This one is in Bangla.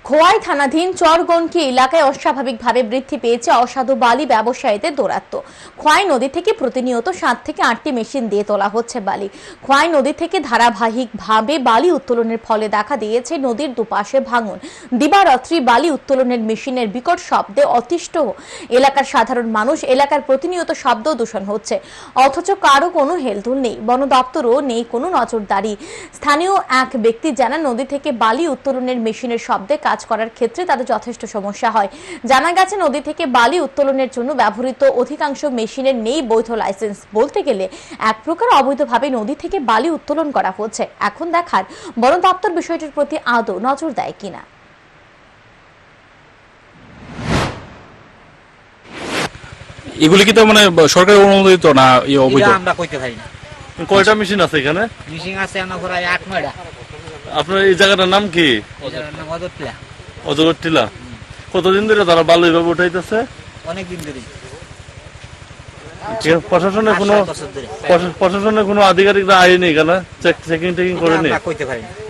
খোয়াই থানাধীন চরগনকি এলাকায় অস্বাভাবিকভাবে বৃদ্ধি পেয়েছে অসাধু বালি ব্যবসায়ীদের দৌরাত্ম্য। খোয়াই নদী থেকে প্রতিনিয়ত 7 থেকে 8টি মেশিন দিয়ে তোলা হচ্ছে বালি। খোয়াই নদী থেকে ধারাবাহিকভাবে বালি উত্তোলনের ফলে দেখা দিয়েছে নদীর দুপাশে ভাঙন। দিবারাত্রি বালি উত্তোলনের মেশিনের বিকট শব্দে অতিষ্ঠ এলাকার সাধারণ মানুষ। এলাকার প্রতিনিয়ত শব্দ দূষণ হচ্ছে, অথচ কারো কোনো হেলদোল নেই, বন দপ্তরও নেই কোনো নজরদারি। স্থানীয় এক ব্যক্তি জানান, নদী থেকে বালি উত্তোলনের মেশিনের শব্দে কাজ করার ক্ষেত্রে তাদের যথেষ্ট সমস্যা হয়। জানা গেছে, নদী থেকে বালি উত্তোলনের জন্য ব্যবহৃত অধিকাংশ মেশিনের নেই বৈধ লাইসেন্স। বলতে গেলে এক প্রকার অবৈধভাবে নদী থেকে বালি উত্তোলন করা হচ্ছে। এখন দেখার বন দপ্তর বিষয়টির প্রতি আদৌ নজর দেয় কিনা। এগুলি কি তো মানে সরকারি অনুমোদিত না অবৈধ? আমরা কইতে পারি না। কয়টা মেশিন আছে এখানে? মিশিং আছে আমরা প্রায় 8-9টা। আপনার এই জায়গাটার নাম কি? এটার নাম অদরটিলা। অজগর টিলা। কতদিন ধরে তারা বালু এভাবে উঠাইতেছে? অনেক দিন ধরে। প্রশাসনের কোনো আধিকারিকরা আইনি এখানে চেকিং করেনি? আমরা কইতে পারি না।